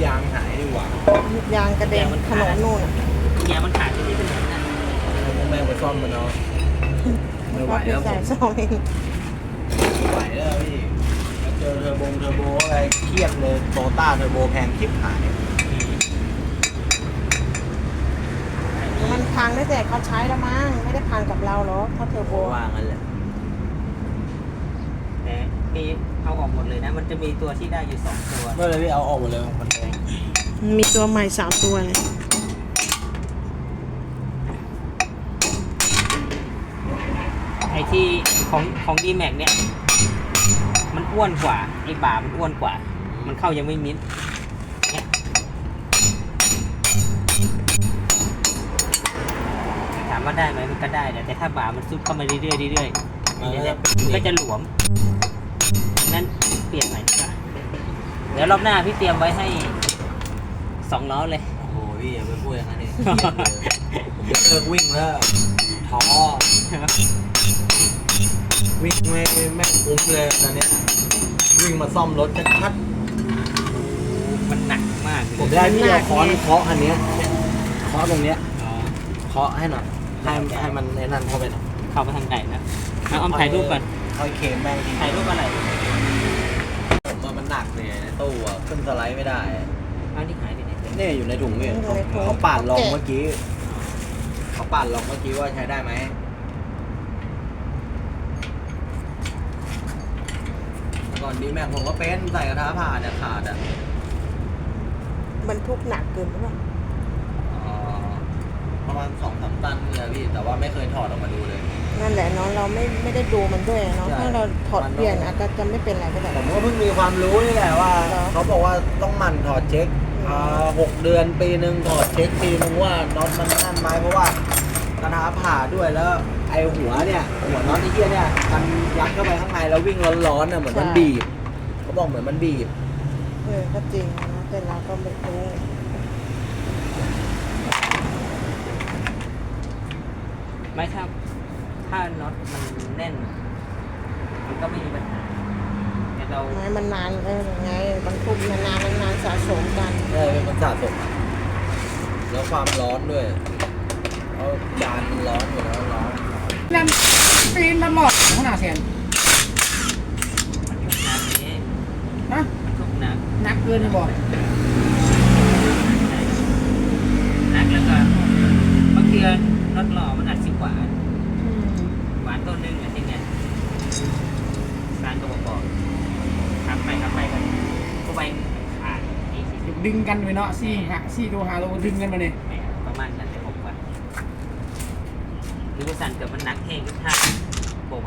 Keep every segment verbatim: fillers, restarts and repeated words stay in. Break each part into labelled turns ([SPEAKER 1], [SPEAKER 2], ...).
[SPEAKER 1] ยางหายดีกว่า
[SPEAKER 2] ลูกยางกระเด็นถนนนู่นอ่ะ
[SPEAKER 3] เนี่ยมันขาดที่นี่เป็นแบบนั้น
[SPEAKER 1] พวกแม่งไปซ่อมมันเนาะไม่ไหวแล้วผ
[SPEAKER 2] ใส่
[SPEAKER 1] ม
[SPEAKER 2] ซองเอง
[SPEAKER 1] ไม่ไหวแล้วพี่แล้วเจอเทอร์โบเทอร์โบอะไรเครียดเลยโตต้าเทอร์โบแพงคลิปหาย
[SPEAKER 2] มันพังได้แต่เขาใช้แล้วมั้งไม่ได้พังกับเราหรอกถ้าเทอร์โบ
[SPEAKER 1] ว่างั้นแหละ
[SPEAKER 3] แต่มีเอาออกหมดเลยนะ มันจะมีตัวที่ได้อยู่สองตัว
[SPEAKER 1] เมื่อไรพี่เอาออกหมดเลยมันแพง
[SPEAKER 2] มีตัวใหม่สามตัวเลย
[SPEAKER 3] ไอ้ที่ของของดีแม็กเนี่ยมันอ้วนกว่าไอ้บ่ามันอ้วนกว่า มันเข้ายังไม่มิดเนี่ยถามว่าได้ไหมมันก็ได้แต่ถ้าบ่ามันซุดเข้ามาเรื่อยๆเรื่อยๆมันจะมันก็จะหลวมนั้นเปลี่ยนใหม่ดีกว่าเดี๋ยวรอบหน้าพี่เตรียมไว้ให้สองล้อเลย
[SPEAKER 1] โอ้โหพี่อย่าไปพูดอย่างนั้นดิผมจะเลิกวิ่งแล้วท้อวิ่งไม่ไม่คุ้มเลยตอนเนี้ยวิ่งมาซ่อมรถชัด
[SPEAKER 3] มันหนักมากเลย
[SPEAKER 1] ๆผมได้พี่เอาค้อนเคาะอันเนี้ยเคาะตรงเนี้ย
[SPEAKER 3] อ๋อ
[SPEAKER 1] เคาะให้หน่อยให้ให้มันไอ้นั่นเข้าไปหน่อย
[SPEAKER 3] เข้าไปทางไหนนะเอาเอาถ่ายรูปก่อน
[SPEAKER 1] เอาเข็มแม่งที
[SPEAKER 3] ถ่ายรูปอะไร
[SPEAKER 1] ผมว่ามันหนักเลยในตู้อะขึ้นสไลด์ไม่ได้
[SPEAKER 3] เอาที่หายไปไหน
[SPEAKER 1] เนี่ยอยู่ในถุงเนี่ยเขาปาดลองเมื่อกี้เขาปาดลองเมื่อกี้ว่าใช้ได้ไหมก่อนดีแม็กผมก็เป็นใส่กระทะผ่าเนี่ยขาดอ่ะ
[SPEAKER 2] บรรทุกหนักเกินหรือเปล่า
[SPEAKER 1] อ๋อประมาณสองสามตันเลยพี่แต่ว่าไม่เคยถอดออกมาดูเลย
[SPEAKER 2] นั่นแหละเนาะเราไม่ไม่ได้ดูมันด้วยเนาะ
[SPEAKER 1] ใช่
[SPEAKER 2] ถ้าเราถอดเปลี่ยนอาจจะจะไม่เป็นไรก็ได้
[SPEAKER 1] ผมก็เพิ่งมีความรู้นี่แหละว่า
[SPEAKER 2] เหรอ
[SPEAKER 1] เขาบอกว่าต้องหมั่นถอดเช็ค
[SPEAKER 2] อืม
[SPEAKER 1] อ่าหกเดือนปีหนึ่งถอดเช็คปีนึงว่าน็อตมันนั่นไหมเพราะว่ากระทะผ่าด้วยแล้วไอหัวเนี่ยหัวน็อตไอ้เหี้ยเนี่ยมันยัดเข้าไปข้างในแล้ววิ่งร้อนๆน่ะเหมือนมันบีบเขาบอกเหมือนมันบีบ
[SPEAKER 2] เออก็จริงนะแต่เราก็ไม่รู้
[SPEAKER 3] ไม่ถ้าถ้าน็อตมันแน่น มันก็ไม่มีปัญหาแต่เรา
[SPEAKER 2] ไม้มันนานเออไงบรรทุกนานๆนานๆสะสมกัน
[SPEAKER 1] ใช่เป็นมันสะสมแล้วความร้อนด้วยเพราะจานมันร้อนอยู่แล้วร้อน
[SPEAKER 4] นั่นปีนมันหมดขนาดเสียน
[SPEAKER 3] มันทุกน้ำนี้
[SPEAKER 4] ฮะ
[SPEAKER 3] มันทุกน้
[SPEAKER 4] หนักเกินไปบ่
[SPEAKER 3] ำหนักแล้วก็บางทีน็อตหล่อมันอัดสิบหวานหวานต้นนึงอะไรอย่างเงี้ยสารก็บอกบอกขับไปขับไปกันก็ไปขาดนี่สิ
[SPEAKER 4] ดึงกันไปเนาะสี่หาสี่ตัวหาตัวดึงกันมาเนี่ย
[SPEAKER 3] ประมาณนั้นเลยผมว่าหรือว่าสั่นเกิดมันหนักแห้งทุกท่าโบไหว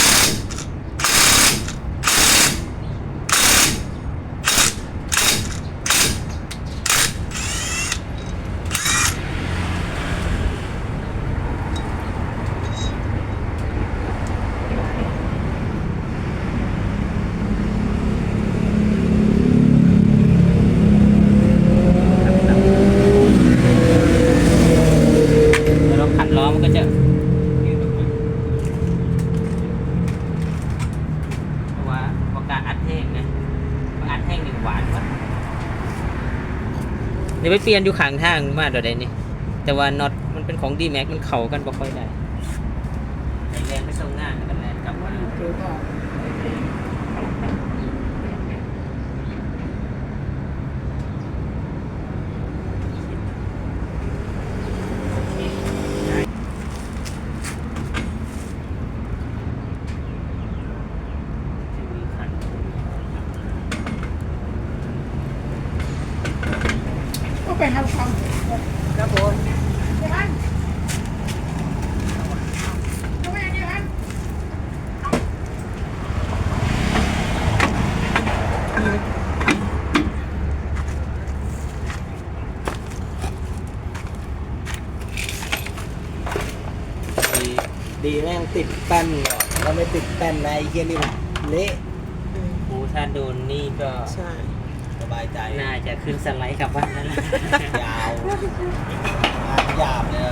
[SPEAKER 3] เราขันล้อมันก็จะยืดออกมาเพราะว่าพอการอัดแห้งนะพออัดแห้งนี่หวานวะเดี๋ยวไปเปลี่ยนอยู่ข้างทางมาเดี๋ยวใดนี่แต่ว่าน็อตมันเป็นของดีแม็กมันเข่ากันบ่ค่อยได้ไอแรงไม่ส่งงานกันแหละกลับมา
[SPEAKER 4] เจอก็ ก็ไปหาลูกค้า
[SPEAKER 3] ครับผม
[SPEAKER 4] เดี๋ยวมันก็ไม่อย่างนี้มัน
[SPEAKER 1] ดีดีแม่งติดแป้นก่อนแล้วไม่ติดแป้นนะไอ้เหี้ยนี่มันเละ
[SPEAKER 2] อืม
[SPEAKER 3] โอ้ถ้าโดนนี่ก็
[SPEAKER 2] ใช่
[SPEAKER 1] สบายใจ
[SPEAKER 3] น่าจะขึ้นสไลด์กลับบ้านนั่นแหละ
[SPEAKER 1] ยาวงานหยาบเลยอะ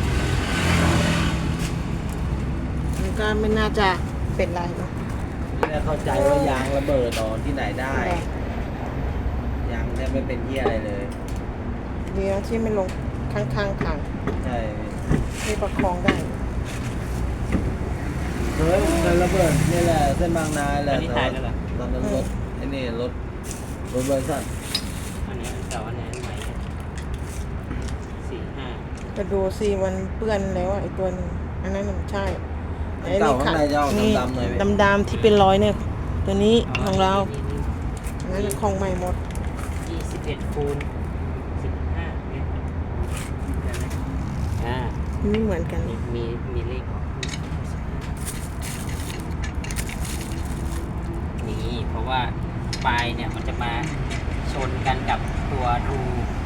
[SPEAKER 2] มันก็ไม่น่าจะเป็นไรเนาะ
[SPEAKER 1] นี่แหได้เข้าใจว่ายางระเบิดตอนที่ไหนได้ ยางแทบไม่เป็นเหี้ยอะไรเลย
[SPEAKER 2] เดียวที่ไม่ลงข้างๆทาง
[SPEAKER 1] ใช่
[SPEAKER 2] ที่ประคองได้
[SPEAKER 1] เคยเคยระเบิดนี่แหละเส้นบางนาแห
[SPEAKER 3] ตอ
[SPEAKER 1] ละ
[SPEAKER 3] นนี้ถ่ายแล้วเหรอ
[SPEAKER 1] ตอนนั้นรถไอ้นี่รถรถเบอร์สัน
[SPEAKER 3] อันนี้อันเก่าอันนี้อันใหม่สี่ห้า
[SPEAKER 2] จะดูสิมันเปื้อนแล้วอะไอ้ตัวหนึงอันนั้นมันใช่
[SPEAKER 1] อันเก่าข้างในจะออกดำๆหน่อยไหม
[SPEAKER 2] ดำๆที่เป็นรอยเนี่ย ตัวนี้ของเราอันนั้นของใหม่หมด
[SPEAKER 3] ยี่สิบเอ็ดคูณสิบห้าเมตรอ่า
[SPEAKER 2] ไม่เหมือนกัน
[SPEAKER 3] มีมีมีเลขออกนี่เพราะว่าปลายเนี่ยมันจะมาชนกันกับตัวรู